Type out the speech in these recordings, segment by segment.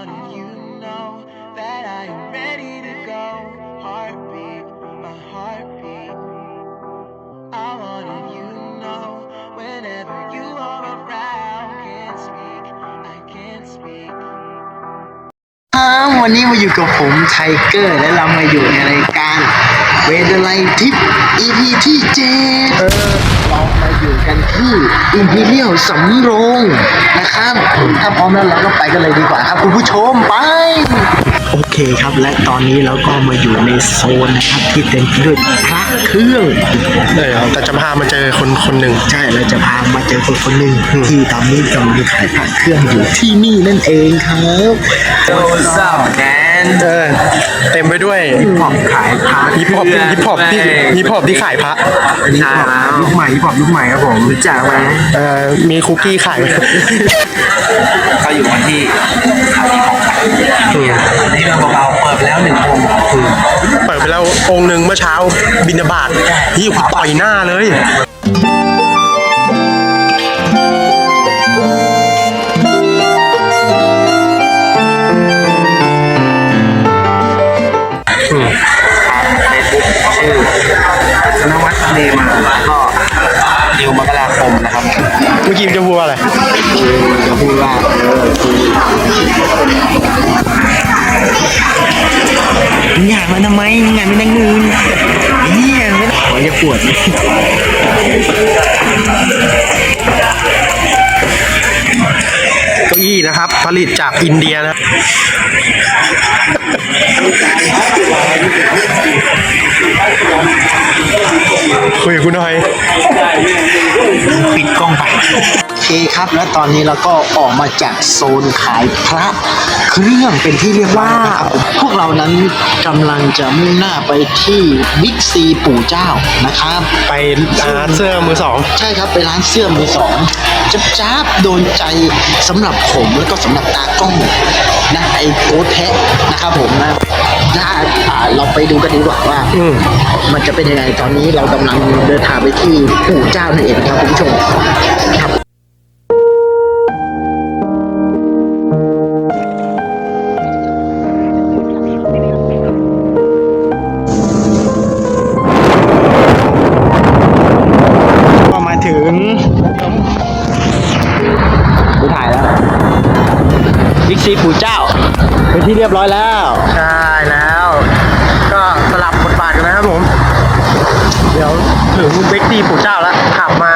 wanted you to know that I am ready to go. Heartbeat, my heartbeat. I wanted you to know whenever you are around. Can't speak, I can't speak. วันนี้มาอยู่กับผมไทเกอร์และเรามาอยู่ในรายการเวเดอร์ไลท์ทิป EP ที่7เรามาอยู่กันที่ Imperial สำโรงนะครับถ้าพร้อมแล้วเราก็ไปกันเลยดีกว่าครับคุณผู้ชมไปโอเคครับและตอนนี้เราก็มาอยู่ในโซนนะครับที่เต็มไปด้วยพระเครื่องแต่จะพามาเจอคนหนึ่งใช่เราจะพามาเจอคนหนึ่งที่ตอนนี้กำลังขายพระเครื่องอยู่ที่นี่นั่นเองครับ What's up, man? เต็มไปด้วยฮิปฮอปขายพระฮิปฮอปที่ขายพระใช่แล้วยุคใหม่ฮิปฮอปยุคใหม่ครับผมรู้จักไหมมีคุกกี้ขายก็อยู่วันที่นี่เราเบาๆเปิดไปแล้ว1 องค์เปิดไปแล้วองค์หนึ่งเมื่อเช้าบิณฑบาตที่ต่อยหน้าเลยชื่อธนวัฒน์เนมาก็ดิวมกราคมนะครับเมื่อกี้จะพูดอะไรจะพูดว่าอยากมาทำไมงานไม่นั่งนึงเนี่ยไม่ขอจะปวดเก้าอี้นะครับผลิตจากอินเดียนะคุยกับคุณหน่อยปิดกล้องไปโอเคครับและตอนนี้เราก็ออกมาจากโซนขายพระเครื่องเป็นที่เรียกว่าพวกเรานั้นกำลังจะมุ่งหน้าไปที่บิ๊กซีปู่เจ้านะครับไปร้านเสื้อมือสองใช่ครับไปร้านเสื้อมือสองจ้าบโดนใจสำหรับผมแล้วก็สำหรับตากล้องนะไอ้โค้ดแทะนะครับผมนะเราไปดูกันดีกว่าว่ามันจะเป็นยังไงตอนนี้เรากำลังเดินทางไปที่ปู่เจ้านั่นเองนะครับคุณผู้ชมครับก็มาถึงดูถ่ายแล้วบิ๊กซีปู่เจ้าเป็นที่เรียบร้อยแล้วใช่แล้วก็สลับบทบาทกันนะครับผมเดี๋ยวถึงเบกตีปู่เจ้าแล้วขับมา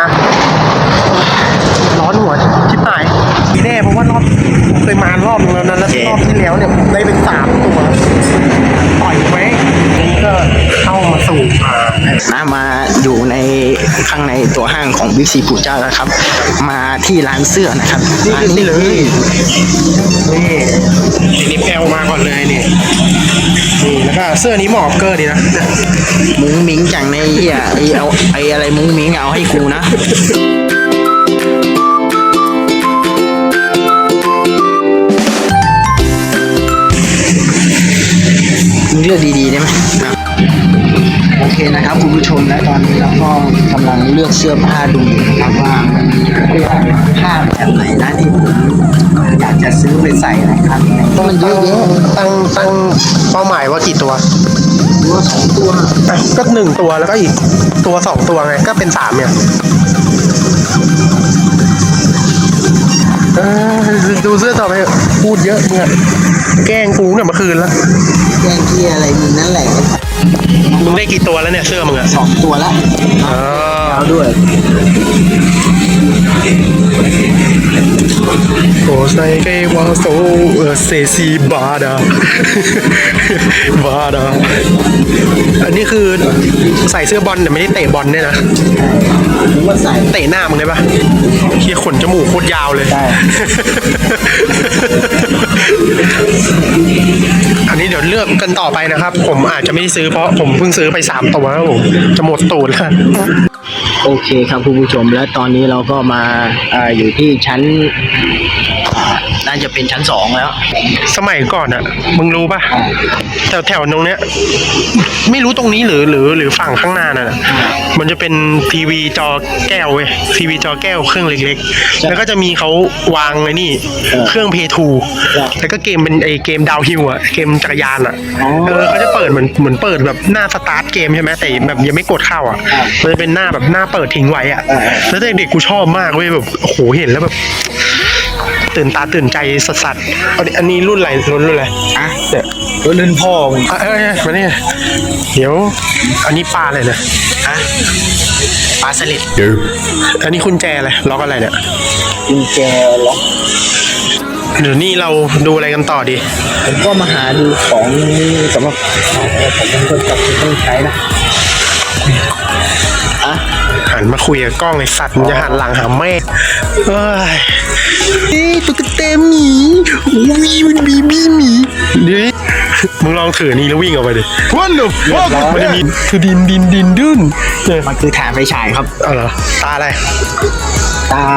ร้อนหัวชิบหายทีแน่เพราะว่ารอบเคยมารอบนึงแล้วนั้นแล้วรอบที่แล้วเนี่ยได้เป็น3 ตัวปล่อยไว้นี่ก็เข้ามาสู่มาอยู่ในข้างในตัวห้างของบิ๊กซีปู่เจ้าแล้วครับมาที่ร้านเสื้อนะครับนี่เลยนี่แอลมาก่อนเลยนี่แล้วก็เสื้อนี้เหมาะกับเกอร์ดีนะมุ้งมิ้งจังในเอาอะไรมุ้งมิ้งเอาให้กูนะเลือกดีๆได้ไหมโอเคนะครับคุณผู้ชมและตอนนี้เราก็กำลังเลือกเสื้อผ้าดูนะครับว่าผ้าแบบไหนนะที่ผมอยากจะซื้อไปใส่นะครับเพราะมันเยอะแยะตั้งเป้าหมายว่ากี่ตัว 2 ตัวก็1 ตัวแล้วก็อีกตัว2 ตัวไงก็เป็น3เนี่ยดูเสื้อต่อไปพูดเยอะเนี่ยแกล้งกูเนี่ยเมื่อคืนแล้วแกล้งที่อะไรมึงนั่นแหละมึงได้กี่ตัวแล้วเนี่ยเสื้อมึงอะ 2 ตัวแล้วแล้วด้วยโอ้ใส่เกวาโซเซซีบาดาบาดาอันนี้คือใส่เสื้อบอลแต่ไม่ได้เตะบอลเนี่ยนะว่าใส่เตะหน้ามึงได้ปะเคียขนจมูกโคตรยาวเลยอันนี้เดี๋ยวเลือกกันต่อไปนะครับผมอาจจะไม่ได้ซื้อเพราะผมเพิ่งซื้อไป3 ตัวครับผมจะหมดตูดแล้วโอเคครับคุณผู้ชมและตอนนี้เราก็มาอยู่ที่ชั้นน่าจะเป็นชั้น2แล้วสมัยก่อนอะมึงรู้ป่ะแถวตรงเนี้ย ไม่รู้ตรงนี้หรือฝั่งข้างหน้าน่ะ มันจะเป็นทีวีจอแก้วเว้ยทีวีจอแก้วเครื่องเล็กๆ แล้วก็จะมีเขาวางไอ้นี่ เครื่องเพย์ทูแล้วก็เกมเป็นไอเกมดาวฮิลอะเกมจักรยานอะเขาจะเปิดเหมือนเปิดแบบหน้าสตาร์ทเกมใช่ไหมแต่แบบยังไม่กดเข้าอะมันจะเป็นหน้าแบบหน้าเปิดทิ้งไว้อะแล้วเด็กๆกูชอบมากเว้ยแบบโอ้โหเห็นแล้วแบบตื่นตาตื่นใจสัสๆอันนี้รุ่นอะไรอ่ะเนี่ยรุ่นพ่อมึงมาเนี่ยเดี๋ยวอันนี้ปลาอะไรนะฮะปลาสลิดอันนี้คุณแจอะไรล็อกอะไรเนี่ยกุญแจล็อกเดี๋ยวนี่เราดูอะไรกันต่อดีผมก็มาหาดูของสำหรับผมก็จับต้องใช้นะอ่ะหันมาคุยกับกล้องไอ้สัตว์มันจะหันหลังหาแม่เอ้ยตุ๊กตาหมีวีมันบีบี้หมีดิมึงลองถือนี่แล้ววิ่งออกไปดิวันหนึ่งมันจะมีคือดินดุนเนี่ยมันคือฐานไฟฉายครับเอาเหรอตาอะไรตา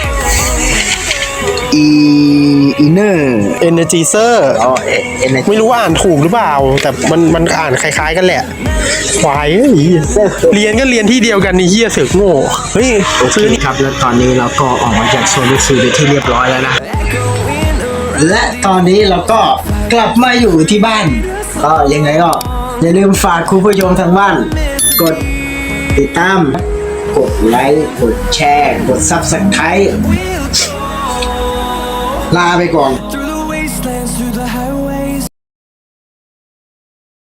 อีเนอร์ Energizer อ๋อเอเนไม่รู้ว่าอ่านถูกหรือเปล่า แต่มันอ่านคล้ายๆกันแหละควายเอ้ยเรียนก็เรียนที่เดียวกันนี่เฮียเสือกโง่เฮ้ยโอเคซื้อนี่ครับแล้วตอนนี้เราก็ออกมาจากโซนลูกซูเป็นที่เรียบร้อยแล้วนะ และตอนนี้เราก็กลับมาอยู่ที่บ้าน ก็ยังไงก็อย่าลืมฝากคุณผู้ชมทางบ้าน กดติดตาม กดไลค์กดแชร์ กด Subscribe ลาไปก่อน